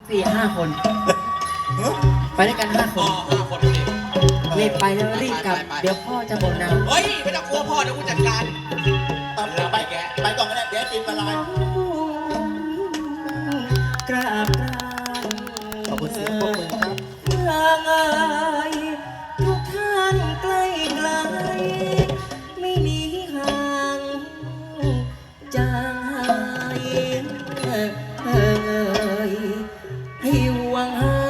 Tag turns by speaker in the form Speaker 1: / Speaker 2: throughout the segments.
Speaker 1: 4-5 คน ไปด้วยกัน5 ค
Speaker 2: อ๋อน5 คนนี่
Speaker 1: รีบไปแล้วรีบกลับ เดี๋ยวพ่อจะบ่นเอา
Speaker 2: เฮ้ยไม่ต้องกลัวพ่อเดี๋ยวกูจัดการ
Speaker 3: ไปแกไปก่อนก็ได้เดี๋ยวติมละลาย
Speaker 1: กราบ
Speaker 3: ขอบคุณเสียงปรบมือครับ
Speaker 1: ลางอายทุกท่านใกล้ไกลไม่หนีห่างจางหายให้หวังหา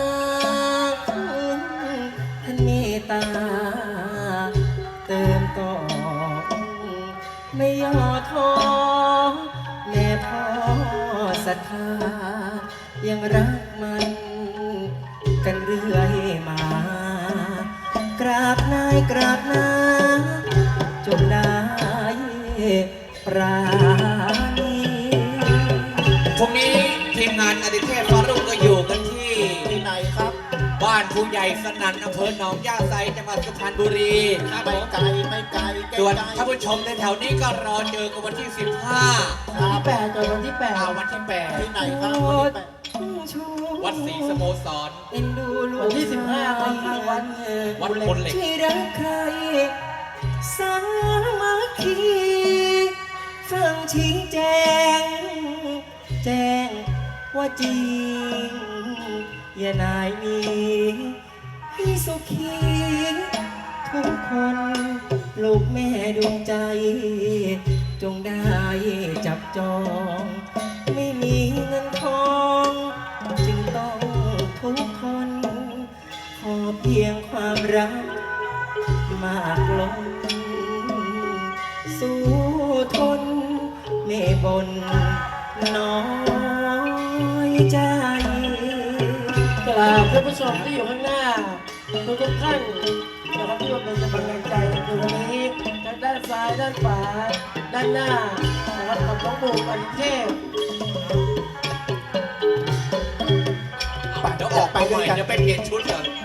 Speaker 1: ท่านเมตตาเติมต่อไม่ย่อท้อแม่พ่อศรัทธายังรักมันกันเรื่อยมา กราบนายกราบนาจงได้ปราณี
Speaker 2: พรุ่งนี้ทีมงานอดิเทพฟารุ่งก็อยู่กันที่
Speaker 3: ที่ไหนครับ
Speaker 2: บ้านผู้ใหญ่สนั่นอำเภอหนองย่าไซจังหวัดสุพรรณบุรีครับผ
Speaker 3: ไม่
Speaker 2: ม
Speaker 3: ไกลไม่ไกลใกล้
Speaker 2: ส่วน
Speaker 3: ๆ
Speaker 2: ท่านผู้ชมในแถวนี้ก็รอเจอกันวันที่
Speaker 3: ครับ
Speaker 1: 8จนวันที่
Speaker 2: วันที่
Speaker 3: ที่ไหนครับ
Speaker 2: วัดศรีสโมสร
Speaker 1: เอ็นดูลูกวันที่15ตอนกลางวัน
Speaker 2: วัดพลเหล็ก
Speaker 1: ที่รักใครสามัคคีฟังชี้แจงว่าจริงอย่านายมีให้สุขีทุกคนลูกแม่ดวงใจ จงได้จับจอง ไม่มีเงินทองจึงต้องทุกคน ขอเพียงความรักมากล้นสู้ทนไม่บนน้อยใจ
Speaker 4: กราบท่านผู้ชมที่อยู่ข้างหน้าทุกท่านนะครับที่มาเป็นกำลังใจในวันนี้ทั้งด้านซ้ายด้านขวาด้านหน้านะครับกับน้องบูมอดิเทพ
Speaker 2: เดี๋ยวออกไปใหม่เดี๋ยวไปเปลี่ยนชุดก่อน